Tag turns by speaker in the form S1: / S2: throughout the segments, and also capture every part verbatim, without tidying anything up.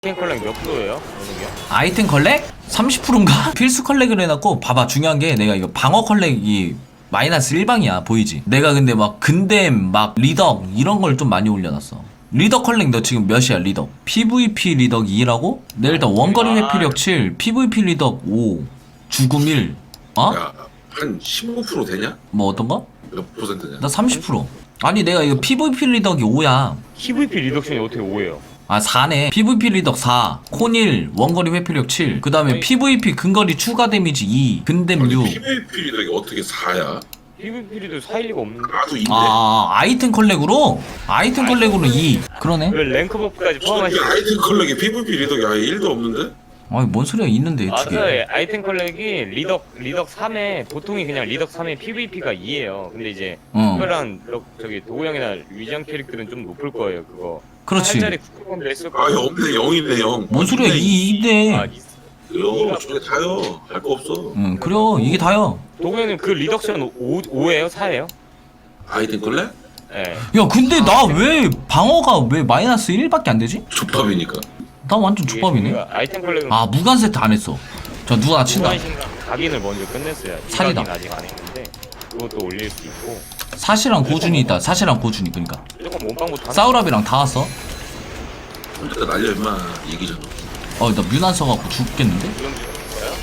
S1: 아이템 컬렉 몇 프로예요? 어느 게?
S2: 아이템 컬렉? 삼십 퍼센트인가? 필수 컬렉을 해놨고 봐봐 중요한 게 내가 이거 방어 컬렉이 마이너스 일 방이야 보이지? 내가 근데 막 근댐 막 리덕 이런 걸 좀 많이 올려놨어. 리덕 컬렉 너 지금 몇이야 리덕? 피브이피 리덕 이라고? 내 일단 원거리 회피력 칠, 피브이피 리덕 오, 주금 일. 어?
S3: 야, 한 십오 퍼센트 되냐?
S2: 뭐 어떤 거?
S3: 몇 퍼센트냐?
S2: 나 삼십 퍼센트. 아니 내가 이거 피브이피 리덕이 오야.
S1: 피브이피 리덕션이 어떻게 오예요?
S2: 아 사네. 피브이피 리덕 사, 콘 일, 원거리 회피력 칠, 그 다음에 피브이피 근거리 추가 데미지 이, 근댐 육.
S3: 피브이피 리덕이 어떻게 사야?
S1: 피브이피 리덕 사 일 리가 없는데.
S3: 나도 이인데.
S2: 아 아이템 컬렉으로? 아이템 컬렉으로 이. 그러네.
S1: 왜 랭크 버프까지 포함하시?
S3: 저기 아이템 컬렉에 피브이피 리덕이 아예 일도 없는데?
S2: 아니 뭔 소리야 있는데 두 개.
S1: 맞아요. 아이템 컬렉이 리덕 리덕 삼에 보통이 그냥 리덕 삼에 피브이피가 이예요. 근데 이제
S2: 어.
S1: 특별한 럭- 저기 도구 형이나 위장 캐릭터는 좀 높을 거예요. 그거.
S2: 그렇지.
S1: 한 자리 국가권도 했을
S3: 아예
S1: 거예요.
S3: 없네, 영인데 영.
S2: 뭔 소리야 이인데.
S1: 아, 있-
S3: 그래요, 저게 다요. 할 거 없어.
S2: 응 그래요 이게 다야.
S1: 도구 형님 그 리덕션 오, 오예요? 사예요?
S3: 아이템 컬렉?
S1: 예.
S2: 야 근데 나 왜 방어가 왜 마이너스 일밖에 안 되지?
S3: 족밥이니까.
S2: 나 완전
S1: 이게
S2: 족밥이네.
S1: 저희가 아이템 컬렉은
S2: 아 무관 세트 안 했어. 저 누가 친다.
S1: 무관신과 각인을 먼저 끝냈어요.
S2: 살이다.
S1: 각인 아직 안 했는데 그것도 올릴 수 있고
S2: 사시랑 고준이 있다. 사시랑 고준이 그러니까.
S1: 무조건 몸빵부터 하나.
S2: 사우랍이랑 다 왔어.
S3: 일단 날려 임마. 얘기잖아.
S2: 어 나 뮤난 써갖고 죽겠는데?
S1: 그런 게 있어요?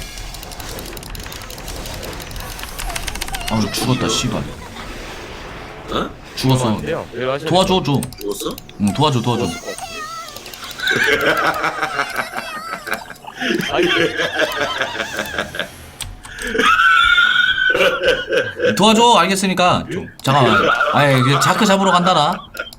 S2: 아 죽었다 씨발.
S3: 어?
S2: 죽었어.
S1: 안 돼요. 그래요, 하셔야
S2: 도와줘 줘.
S3: 죽었어?
S2: 응 도와줘 도와줘.
S1: 돼요. 아니
S2: 도와줘 알겠으니까 좀 잠깐만. 아이 그 자크 잡으러 간다나.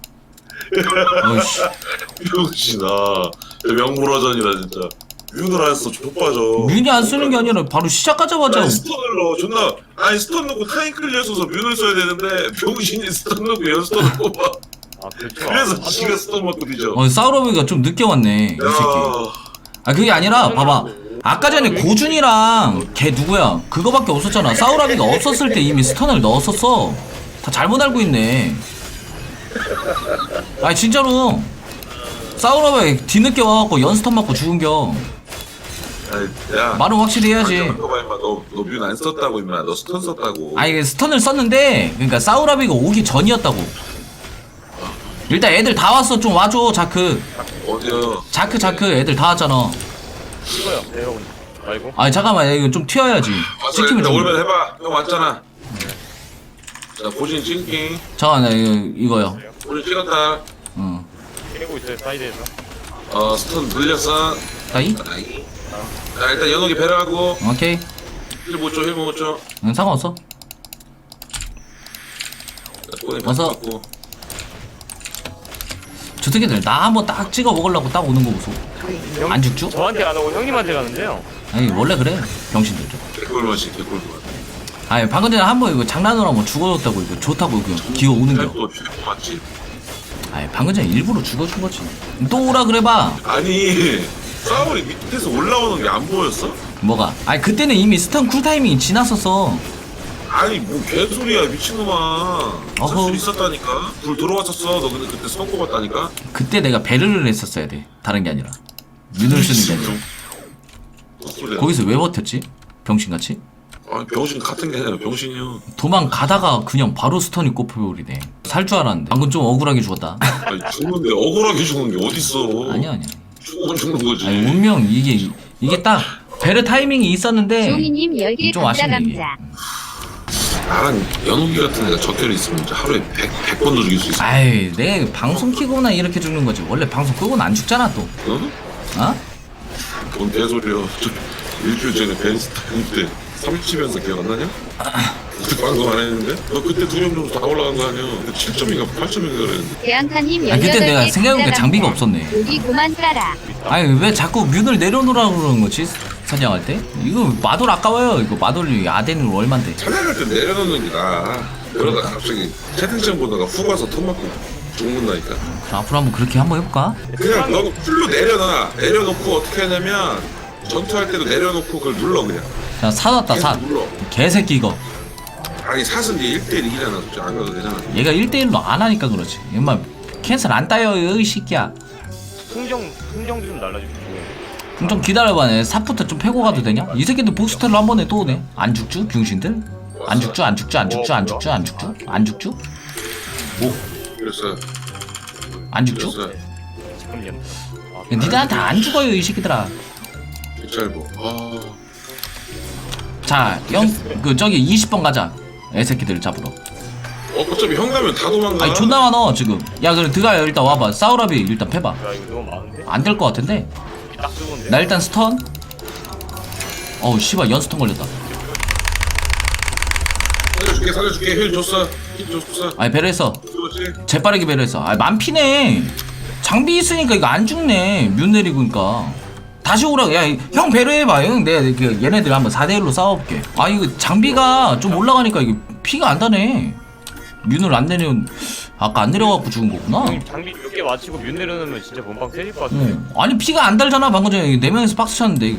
S2: 어이씨.
S3: 병신아. 명불허전이다 진짜. 윤을 안 써, 족빠져.
S2: 뮤니 안 쓰는 게 아니라 바로 시작하자마자.
S3: 아니 스턴을 넣어 존나 아니 스턴 넣고 타임 클리어 써서 뮤를 써야 되는데 병신이 스턴 넣고 연스턴을 뽑아.
S1: 아 그렇죠.
S3: 그래서
S1: 아,
S3: 지가 스턴 맞고 뒤져.
S2: 어 사우럽이가 좀 늦게 왔네 이 새끼.
S3: 야,
S2: 아 그게 아니라 봐봐. 아까 전에 고준이랑 걔 누구야 그거밖에 없었잖아. 사우라비가 없었을 때 이미 스턴을 넣었었어. 다 잘못 알고 있네. 아니 진짜로 사우라비 뒤늦게 와갖고 연스턴 맞고 죽은겨.
S3: 아니, 야
S2: 말은 확실히 해야지.
S3: 잠깐만 임마 너너뮤 안 썼다고 임마 너 스턴 썼다고.
S2: 아니 이게 스턴을 썼는데 그러니까 사우라비가 오기 전이었다고. 일단 애들 다 왔어. 좀 와줘 자크.
S3: 어디요?
S2: 자크 자크 애들 다 왔잖아.
S1: 찍어요. 내려온 말고.
S2: 아니 잠깐만 야, 이거 좀 튀어야지.
S3: 왔어
S2: 찍히면
S3: 일단
S2: 좀.
S3: 올면 해봐. 형 왔잖아. 자 고진 찍기.
S2: 잠깐만 나 이거 이거요.
S3: 고진 찍었다.
S2: 응.
S1: 깨고 있어요 사이드에서.
S3: 어 스턴 늘렸어.
S2: 따이?
S3: 아이. 자 일단 연옥이 배려하고
S2: 오케이.
S3: 힐 못 줘 힐 못 줘.
S2: 응 상관없어.
S3: 꼬리
S2: 와서.
S3: 바꾸고.
S2: 저 새끼들 나 한번 딱 찍어 먹으려고 딱 오는 거 보소.
S1: 형-
S2: 안 죽죠?
S1: 저한테 안 오고 형님한테 가는데요.
S2: 아니 원래 그래 병신들 좀.
S3: 개꿀 맛이 개꿀 맛.
S2: 아니 방금 전에 한 번 이거 장난으로 한번 죽어줬다고 이거 좋다고 이거 기어 오는 거.
S3: 또 최고 맛집.
S2: 아니 방금 전에 일부러 죽어준 거지. 또 오라 그래봐.
S3: 아니 싸울이 밑에서 올라오는 게 안 보였어?
S2: 뭐가? 아니 그때는 이미 스턴 쿨타이밍이 지났었어.
S3: 아니 뭐 개소리야 미친놈아.
S2: 어허.
S3: 쓸 수 있었다니까. 불 들어왔었어. 너 근데 그때 스턴 꼽았다니까.
S2: 그때 내가 배를 했었어야 돼. 다른 게 아니라. 윤을 쓰는 게 아니라.
S3: 헛소리야.
S2: 거기서 왜 버텼지? 병신같이?
S3: 아니 병신 같은 게 아니라 병신이요.
S2: 도망가다가 그냥 바로 스턴이 꼽혀버리네. 살 줄 알았는데 방금 좀 억울하게 죽었다.
S3: 아니 죽는데 억울하게 죽는 게 어딨어.
S2: 아니야 아니야.
S3: 죽으면 죽는 거지.
S2: 아니 운명 이게 이게 딱 베르 타이밍이 있었는데
S4: 종이님 열 개
S2: 좀
S4: 감자
S2: 아쉽네 이게.
S4: 감자.
S3: 나랑 연욱이 같은 애가 적혈이 있으면 이제 하루에 백, 백 번도 죽일 수 있어.
S2: 아이 내 방송 키고나 이렇게 죽는 거지. 원래 방송 끄고는 안 죽잖아 또.
S3: 어?
S2: 어?
S3: 뭔 개소리야. 저 일주일 전에 베니스타 때 삼십치면서 기억 안 나냐? 그때 방송 안 했는데? 너 그때 두 명 정도 다 올라간 거 아니야? 팔 점인가 팔 점인가 그랬는데.
S4: 대양카님
S2: 아
S4: 열여덟
S2: 그때 내가
S4: 개
S2: 생각해보니까
S4: 감자
S2: 장비가
S4: 감자.
S2: 없었네.
S4: 여기 그만 깔아.
S2: 아니 왜 자꾸 뮤를 내려놓으라고 그러는 거지 사냥할 때? 이거 마돌 아까워요. 이거 마돌이 아덴은 얼만데?
S3: 사냥할 때 내려놓는 게 나아. 그러다 갑자기 채팅창 보다가 훅 와서 턴 맞고 죽는다니까.
S2: 그럼 앞으로 한번 그렇게 한번 해볼까?
S3: 그냥 너 풀로 내려놔. 내려놓고 어떻게 하냐면 전투할 때도 내려놓고 그걸 눌러 그냥.
S2: 자 사놨다 사.
S3: 계속 눌러.
S2: 개새끼 이거.
S3: 아니 샀은 게 일 대일 이기잖아. 솔직히 안 가도 되잖아.
S2: 얘가 일 대일로 안 하니까 그렇지. 엄마 캔슬 안 따요 이 새끼야.
S1: 풍정 풍정 좀 날라주고.
S2: 그럼 좀 기다려봐. 삽부터 좀 패고 가도 되냐? 이 새끼들 보스텔로 한 번에 또 오네. 안 죽죠? 병신들? 안 죽죠? 안 죽죠? 안 죽죠? 안 죽죠? 안 죽죠? 안 죽죠? 뭐?
S3: 그랬어요.
S2: 안 죽죠?
S3: 그랬어요.
S1: 잠깐만요. 아,
S2: 니들한테 안 죽어요 이 새끼들아.
S3: 짧어. 아,
S2: 자, 영, 그 저기 이십 번 가자. 애새끼들 잡으러.
S3: 어, 어차피 형 가면 다 도망가.
S2: 아니 존나 많어 지금. 야 그래 드가 일단 와봐. 사우라비 일단 패봐.
S1: 야 이거 너무 많은데?
S2: 안 될 것 같은데.
S1: 딱 좋은데.
S2: 나 일단 스턴. 어우 씨발 연스턴 걸렸다.
S3: 살려줄게, 살려줄게. 힐 줬어. 힐 줬어.
S2: 아니 배려했어.
S3: 그렇지.
S2: 재빠르게 배려했어. 아 만피네. 장비 있으니까 이거 안 죽네. 뮤 내리고니까. 다시 오라. 야 형 배려해봐. 형 내가 그 얘네들 한번 사 대 일로 싸워볼게. 아 이거 장비가 좀 올라가니까 이게 피가 안 다네. 뮤를 안 내려온. 아까 안 내려갖고 죽은 거구나.
S1: 형님 장비 몇 개 맞추고 뮤 내려놓으면 진짜 본방 세질 것 같은데.
S2: 어. 아니 피가 안 달잖아. 방금 전에 네 명에서 박스 쳤는데.